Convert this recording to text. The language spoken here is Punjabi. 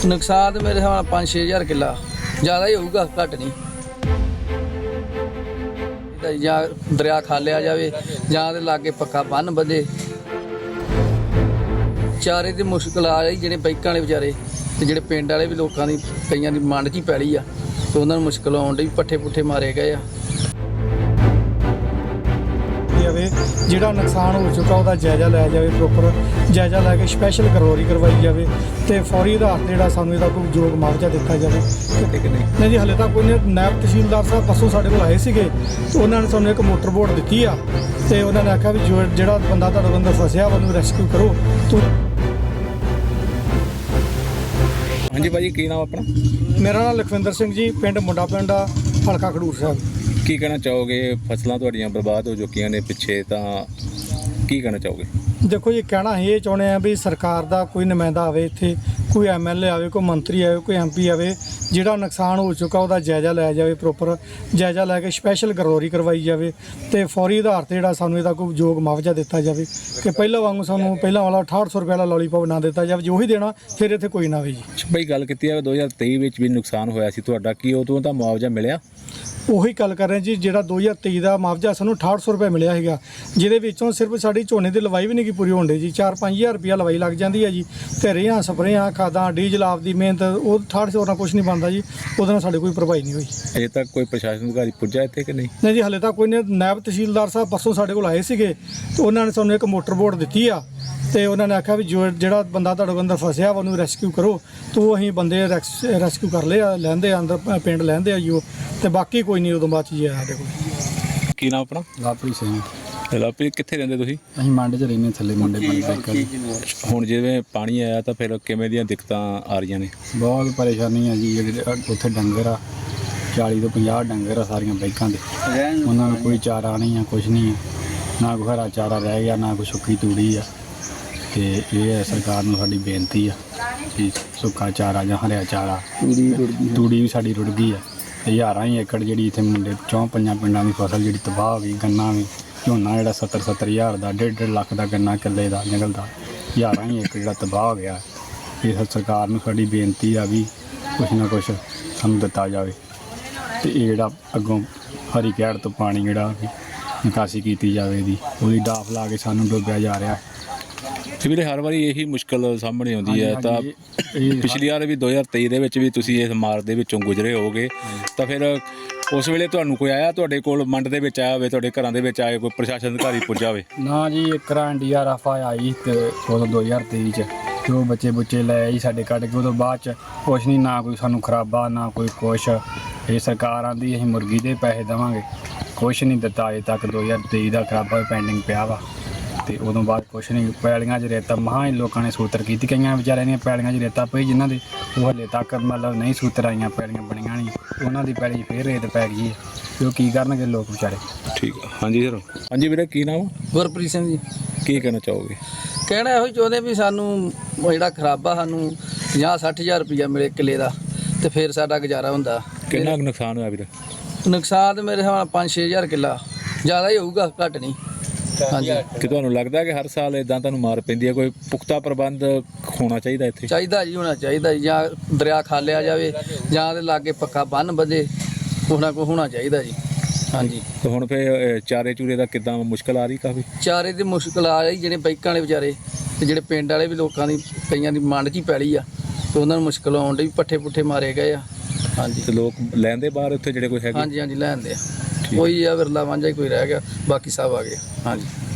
नुकसान तो मेरे हिसाब नाल 5-6 हज़ार किला ज़्यादा ही होगा, घट नहीं। ਜਾਂ ਦਰਿਆ ਖਾਲਿਆ ਜਾਵੇ ਜਾਂ ਦੇ ਲਾਗੇ ਪੱਕਾ ਬੰਨ ਵਧੇ। ਚਾਰੇ ਦੀ ਮੁਸ਼ਕਲ ਆ ਰਹੀ, ਜਿਹੜੇ ਬੈਂਕਾਂ ਵਾਲੇ ਵਿਚਾਰੇ ਤੇ ਜਿਹੜੇ ਪਿੰਡ ਵਾਲੇ ਵੀ ਲੋਕਾਂ ਦੀ ਕਈਆਂ ਦੀ ਮੰਡ 'ਚ ਹੀ ਪੈਲੀ ਆ ਤੇ ਉਹਨਾਂ ਨੂੰ ਮੁਸ਼ਕਲ ਆਉਣ ਡਈ, ਪੱਠੇ ਪੁੱਠੇ ਮਾਰੇ ਗਏ ਆ। ਜਿਹੜਾ ਨੁਕਸਾਨ ਹੋ ਚੁੱਕਾ ਉਹਦਾ ਜਾਇਜ਼ਾ ਲਿਆ ਜਾਵੇ, ਪ੍ਰੋਪਰ ਜਾਇਜ਼ਾ ਲੈ ਕੇ ਸਪੈਸ਼ਲ ਕਰਵਾਈ ਕਰਵਾਈ ਜਾਵੇ ਤੇ ਫੌਰੀ ਆਧਾਰ 'ਤੇ ਜਿਹੜਾ ਸਾਨੂੰ ਇਹਦਾ ਕੋਈ ਯੋਗ ਮੁਆਵਜ਼ਾ ਦਿੱਤਾ ਜਾਵੇ। ਨਹੀਂ ਜੀ, ਹਾਲੇ ਤੱਕ ਕੋਈ ਨਹੀਂ। ਨਾਇਬ ਤਹਿਸੀਲਦਾਰ ਸਾਹਿਬ ਪਰਸੋਂ ਸਾਡੇ ਕੋਲ ਆਏ ਸੀਗੇ ਤੇ ਉਹਨਾਂ ਨੇ ਸਾਨੂੰ ਇੱਕ ਮੋਟਰ ਬੋਟ ਦਿੱਤੀ ਆ ਤੇ ਉਹਨਾਂ ਨੇ ਆਖਿਆ ਵੀ ਜਿਹੜਾ ਬੰਦਾ ਤੁਹਾਡੇ ਅੰਦਰ ਫਸਿਆ ਉਹਨੂੰ ਰੈਸਕਿਊ ਕਰੋ। ਹਾਂਜੀ ਭਾਜੀ, ਕੀ ਨਾਮ ਆਪਣਾ? ਮੇਰਾ ਨਾਮ ਲਖਵਿੰਦਰ ਸਿੰਘ ਜੀ, ਪਿੰਡ ਮੁੰਡਾ ਪਿੰਡ ਆ, ਹਲਕਾ ਖਡੂਰ ਸਾਹਿਬ। ਕੀ ਕਹਿਣਾ ਚਾਹੋਗੇ? ਫਸਲਾਂ ਤੁਹਾਡੀਆਂ ਬਰਬਾਦ ਹੋ ਚੁੱਕੀਆਂ ਨੇ ਪਿੱਛੇ, ਤਾਂ ਕੀ ਕਹਿਣਾ ਚਾਹੋਗੇ? ਦੇਖੋ ਜੀ, ਕਹਿਣਾ ਇਹ ਚਾਹੁੰਦੇ ਆ ਵੀ ਸਰਕਾਰ ਦਾ ਕੋਈ ਨੁਮਾਇੰਦਾ ਆਵੇ ਇੱਥੇ, ਕੋਈ MLA ਆਵੇ, ਕੋਈ ਮੰਤਰੀ ਆਵੇ, ਕੋਈ MP ਆਵੇ, ਜਿਹੜਾ ਨੁਕਸਾਨ ਹੋ ਚੁੱਕਾ ਉਹਦਾ ਜਾਇਜ਼ਾ ਲਿਆ ਜਾਵੇ, ਪ੍ਰੋਪਰ ਜਾਇਜ਼ਾ ਲੈ ਕੇ ਸਪੈਸ਼ਲ ਗਰੋਰੀ ਕਰਵਾਈ ਜਾਵੇ ਤੇ ਫੌਰੀ ਆਧਾਰ 'ਤੇ ਜਿਹੜਾ ਸਾਨੂੰ ਇਹਦਾ ਕੋਈ ਯੋਗ ਮੁਆਵਜ਼ਾ ਦਿੱਤਾ ਜਾਵੇ ਕਿ ਪਹਿਲਾਂ ਵਾਂਗੂ ਸਾਨੂੰ ਪਹਿਲਾਂ ਵਾਲਾ 6800 ਰੁਪਏ ਵਾਲਾ ਲੋਲੀਪੌਪ ਨਾ ਦਿੱਤਾ ਜਾਵੇ। ਜੋ ਹੀ ਦੇਣਾ ਫਿਰ ਇੱਥੇ ਕੋਈ ਨਾ ਆਵੇ ਜੀ। ਬਈ ਗੱਲ ਕੀਤੀ ਜਾਵੇ 2023 ਵਿੱਚ ਵੀ ਨੁਕਸਾਨ ਹੋਇਆ ਸੀ ਤੁਹਾਡਾ, ਕੀ ਉਦੋਂ ਦਾ ਮੁਆਵਜ਼ਾ ਮਿਲਿਆ? ਉਹੀ ਗੱਲ ਕਰ ਰਹੇ ਜੀ, ਜਿਹੜਾ 2023 ਦਾ ਮੁਆਵਜ਼ਾ ਸਾਨੂੰ 6800 ਰੁਪਏ ਮਿਲਿਆ ਹੈਗਾ, ਜਿਹਦੇ ਵਿੱਚੋਂ ਸਿਰਫ ਸਾਡੀ ਝੋਨੇ ਦੀ ਲਵਾਈ ਵੀ ਨਹੀਂ ਕੀ ਪੂਰੀ ਹੋਣ ਡੀ ਜੀ। 4-5 ਹਜ਼ਾਰ ਰੁਪਇਆ ਲਵਾਈ ਲੱਗ ਜਾਂਦੀ ਹੈ ਜੀ ਤੇ ਰੇਹਾਂ ਸਪਰੇਆਂ ਖਾਦਾਂ ਡੀਜ਼ਲ ਆਪ ਦੀ ਮਿਹਨਤ, ਉਹ 6800 ਨਾਲ ਕੁਝ ਨਹੀਂ ਬਣਦਾ ਜੀ। ਉਹਦੇ ਨਾਲ ਸਾਡੇ ਕੋਈ ਭਰਪਾਈ ਨਹੀਂ ਹੋਈ। ਅਜੇ ਤੱਕ ਕੋਈ ਪ੍ਰਸ਼ਾਸਨ ਅਧਿਕਾਰੀ ਪੁੱਜਾ ਇੱਥੇ ਕਿ ਨਹੀਂ? ਨਹੀਂ ਜੀ, ਹਾਲੇ ਤੱਕ ਕੋਈ ਨਹੀਂ। ਨਾਇਬ ਤਹਿਸੀਲਦਾਰ ਸਾਹਿਬ ਪਰਸੋਂ ਸਾਡੇ ਕੋਲ ਆਏ ਸੀਗੇ ਤੇ ਉਹਨਾਂ ਨੇ ਸਾਨੂੰ ਇੱਕ ਮੋਟਰ ਬੋਟ ਦਿੱਤੀ ਆ ਤੇ ਉਹਨਾਂ ਨੇ ਆਖਿਆ ਵੀ ਜਿਹੜਾ ਬੰਦਾ ਤੁਹਾਡੇ ਅੰਦਰ ਫਸਿਆ ਉਹਨੂੰ ਰੈਸਕਿਊ ਕਰੋ। ਤੋ ਅਸੀਂ ਬੰਦੇ ਰੈਸਕਿਊ ਕਰ ਲਏ ਆ, ਲੈਂਦੇ ਆ ਅੰਦਰ ਪਿੰਡ ਲੈਂਦੇ ਆ ਜੀ ਉਹ, ਤੇ ਬਾਕੀ ਕੋਈ ਨਹੀਂ ਉਦੋਂ ਬਾਅਦ ਚ ਜੀ ਸਾਡੇ ਕੋਲ। ਕੀ ਨਾਮ ਆਪਣਾ? ਲਾਪਰੀ ਸਿੰਘ। ਲਾਪਰੀ, ਕਿੱਥੇ ਰਹਿੰਦੇ ਤੁਸੀਂ? ਅਸੀਂ ਮੰਡ 'ਚ ਰਹਿੰਦੇ, ਥੱਲੇ ਮੁੰਡੇ ਪਿੰਡ। ਹੁਣ ਜਿਵੇਂ ਪਾਣੀ ਆਇਆ ਤਾਂ ਫਿਰ ਕਿਵੇਂ ਦੀਆਂ ਦਿੱਕਤਾਂ ਆ ਰਹੀਆਂ ਨੇ? ਬਹੁਤ ਪਰੇਸ਼ਾਨੀ ਆ ਜੀ। ਜਿਹੜੇ ਉੱਥੇ ਡੰਗਰ ਆ 40 ਤੋਂ 50 ਡੰਗਰ ਆ ਸਾਰੀਆਂ ਬਾਈਕਾਂ ਦੇ, ਉਹਨਾਂ ਨੂੰ ਕੋਈ ਚਾਰਾ ਨਹੀਂ ਆ, ਕੁਛ ਨਹੀਂ ਆ, ਨਾ ਕੋਈ ਹਰਾ ਚਾਰਾ ਰਹਿ ਗਿਆ, ਨਾ ਕੋਈ ਸੁੱਕੀ ਤੂੜੀ ਆ। ਤੇ ਇਹ ਹੈ ਸਰਕਾਰ ਨੂੰ ਸਾਡੀ ਬੇਨਤੀ ਆ ਕਿ ਸੁੱਕਾ ਚਾਰਾ ਜਾਂ ਹਰਿਆ ਚਾਰਾ, ਤੂੜੀ ਵੀ ਸਾਡੀ ਰੁੜ ਗਈ ਆ। ਤੇ ਹਜ਼ਾਰਾਂ ਹੀ ਏਕੜ ਜਿਹੜੀ ਇੱਥੇ ਮੁੰਡੇ 4-5 ਪਿੰਡਾਂ ਦੀ ਫਸਲ ਜਿਹੜੀ ਤਬਾਹ ਹੋ ਗਈ। ਗੰਨਾ ਵੀ, ਝੋਨਾ ਜਿਹੜਾ 70-70 ਹਜ਼ਾਰ ਦਾ, 1.5 ਲੱਖ ਦਾ ਗੰਨਾ ਕਿੱਲੇ ਦਾ ਨਿਕਲਦਾ, ਹਜ਼ਾਰਾਂ ਹੀ ਏਕੜ ਜਿਹੜਾ ਤਬਾਹ ਹੋ ਗਿਆ। ਇਹ ਸਰਕਾਰ ਨੂੰ ਸਾਡੀ ਬੇਨਤੀ ਆ ਵੀ ਕੁਛ ਨਾ ਕੁਛ ਸਾਨੂੰ ਦਿੱਤਾ ਜਾਵੇ ਤੇ ਇਹ ਜਿਹੜਾ ਅੱਗੋਂ ਹਰੀ ਕਹਿੜ ਤੋਂ ਪਾਣੀ ਜਿਹੜਾ ਨਿਕਾਸੀ ਕੀਤੀ ਜਾਵੇ, ਇਹਦੀ ਉਹਦੀ ਡਾਫ ਲਾ ਕੇ ਸਾਨੂੰ ਡੁੱਬਿਆ ਜਾ ਰਿਹਾ। ਤੇ ਵੀਰੇ ਹਰ ਵਾਰੀ ਇਹੀ ਮੁਸ਼ਕਲ ਸਾਹਮਣੇ ਆਉਂਦੀ ਹੈ। ਤਾਂ ਪਿਛਲੀ ਵਾਰ ਵੀ 2023 ਦੇ ਵਿੱਚ ਵੀ ਤੁਸੀਂ ਇਸ ਮਾਰ ਦੇ ਵਿੱਚੋਂ ਗੁਜ਼ਰੇ ਹੋਗੇ, ਤਾਂ ਫਿਰ ਉਸ ਵੇਲੇ ਤੁਹਾਨੂੰ ਕੋਈ ਆਇਆ ਤੁਹਾਡੇ ਕੋਲ, ਮੰਡ ਦੇ ਵਿੱਚ ਆਇਆ ਹੋਵੇ, ਤੁਹਾਡੇ ਘਰਾਂ ਦੇ ਵਿੱਚ ਆਏ ਕੋਈ ਪ੍ਰਸ਼ਾਸਨ ਅਧਿਕਾਰੀ ਪੁੱਜਾ ਹੋਵੇ? ਨਾ ਜੀ, ਇੱਕ NDRF ਆਈ ਤੇ ਉਦੋਂ 2023 'ਚ ਜੋ ਬੱਚੇ ਲੈ ਆਈ ਸਾਡੇ ਕੱਢ ਕੇ। ਉਦੋਂ ਬਾਅਦ 'ਚ ਕੁਛ ਨਹੀਂ, ਨਾ ਕੋਈ ਸਾਨੂੰ ਖਰਾਬਾ, ਨਾ ਕੋਈ ਕੁਛ। ਇਹ ਸਰਕਾਰ ਆਂਦੀ ਅਸੀਂ ਮੁਰਗੀ ਦੇ ਪੈਸੇ ਦੇਵਾਂਗੇ, ਕੁਛ ਨਹੀਂ ਦਿੱਤਾ ਅਜੇ ਤੱਕ। 2023 ਦਾ ਖਰਾਬਾ ਪੈਂਡਿੰਗ ਪਿਆ ਵਾ ਤੇ ਉਦੋਂ ਬਾਅਦ ਕੁਛ ਨਹੀਂ। ਪੈਲੀਆਂ 'ਚ ਰੇਤਾ ਮਹਾਂ ਹੀ ਲੋਕਾਂ ਨੇ ਸੂਤਰ ਕੀਤੀ, ਕਈਆਂ ਵਿਚਾਰਿਆਂ ਦੀਆਂ ਪੈਲੀਆਂ 'ਚ ਰੇਤਾ ਪਈ, ਜਿਨ੍ਹਾਂ ਦੇ ਉਹ ਹਲੇ ਤੱਕ ਮਤਲਬ ਨਹੀਂ ਸੂਤਰ ਆਈਆਂ, ਪੈਲੀਆਂ ਬਣੀਆਂ ਨਹੀਂ, ਉਹਨਾਂ ਦੀ ਪੈਲੀ ਫੇਰ ਰੇਤ ਪੈ ਗਈ ਹੈ ਤੇ ਉਹ ਕੀ ਕਰਨਗੇ ਲੋਕ ਵਿਚਾਰੇ। ਠੀਕ ਆ। ਹਾਂਜੀ ਸਰ। ਹਾਂਜੀ ਵੀਰੇ, ਕੀ ਨਾਮ? ਗੁਰਪ੍ਰੀਤ ਸਿੰਘ ਜੀ। ਕੀ ਕਹਿਣਾ ਚਾਹੋਗੇ? ਕਹਿਣਾ ਇਹੋ ਹੀ ਚਾਹੁੰਦੇ ਵੀ ਸਾਨੂੰ ਜਿਹੜਾ ਖਰਾਬਾ ਸਾਨੂੰ 50-60 ਹਜ਼ਾਰ ਰੁਪਇਆ ਮਿਲੇ ਕਿੱਲੇ ਦਾ ਤੇ ਫਿਰ ਸਾਡਾ ਗੁਜ਼ਾਰਾ ਹੁੰਦਾ। ਕਿੰਨਾ ਕੁ ਨੁਕਸਾਨ ਹੋਇਆ ਵੀਰੇ? ਨੁਕਸਾਨ ਤਾਂ ਮੇਰੇ ਹਿਸਾਬ ਨਾਲ 5-6 ਹਜ਼ਾਰ ਕਿੱਲਾ ज़्यादा ही होगा, घट नहीं। ਹਾਂਜੀ, ਕਿ ਤੁਹਾਨੂੰ ਲੱਗਦਾ ਕਿ ਹਰ ਸਾਲ ਇਦਾਂ ਤੁਹਾਨੂੰ ਮਾਰ ਪੈਂਦੀ ਹੈ? ਕੋਈ ਪੁਖਤਾ ਪ੍ਰਬੰਧ ਹੋਣਾ ਚਾਹੀਦਾ ਇੱਥੇ? ਚਾਹੀਦਾ ਜੀ, ਹੋਣਾ ਚਾਹੀਦਾ ਜੀ। ਜਾਂ ਦਰਿਆ ਖਾਲਿਆ ਜਾਵੇ ਜਾਂ ਦੇ ਲਾਗੇ ਪੱਕਾ ਬੰਨ ਵਧੇ, ਹੋਣਾ ਚਾਹੀਦਾ ਜੀ। ਹਾਂਜੀ। ਤੇ ਹੁਣ ਫਿਰ ਚਾਰੇ ਚੂਰੇ ਦਾ ਕਿੱਦਾਂ ਮੁਸ਼ਕਲ ਆ ਰਹੀ? ਕਾਫੀ ਚਾਰੇ ਦੀ ਮੁਸ਼ਕਲ ਆ ਰਹੀ, ਜਿਹੜੇ ਬੈਂਕਾਂ ਵਾਲੇ ਵਿਚਾਰੇ ਤੇ ਜਿਹੜੇ ਪਿੰਡ ਵਾਲੇ ਵੀ ਲੋਕਾਂ ਦੀ ਕਈਆਂ ਦੀ ਮੰਡ 'ਚ ਹੀ ਪੈਲੀ ਆ ਤੇ ਉਹਨਾਂ ਨੂੰ ਮੁਸ਼ਕਲ ਆਉਣ ਡਈ, ਪੱਠੇ ਪੁੱਠੇ ਮਾਰੇ ਗਏ ਆ। ਹਾਂਜੀ। ਤੇ ਲੋਕ ਲੈਂਦੇ ਬਾਹਰ ਉੱਥੇ ਜਿਹੜੇ ਕੋਈ ਹੈਗੇ? ਹਾਂਜੀ, ਲੈਂਦੇ ਆ। ਕੋਈ ਆ ਵਿਰਲਾ ਵਾਂਝਾ ਹੀ ਕੋਈ ਰਹਿ ਗਿਆ, ਬਾਕੀ ਸਭ ਆ ਗਏ। ਹਾਂਜੀ।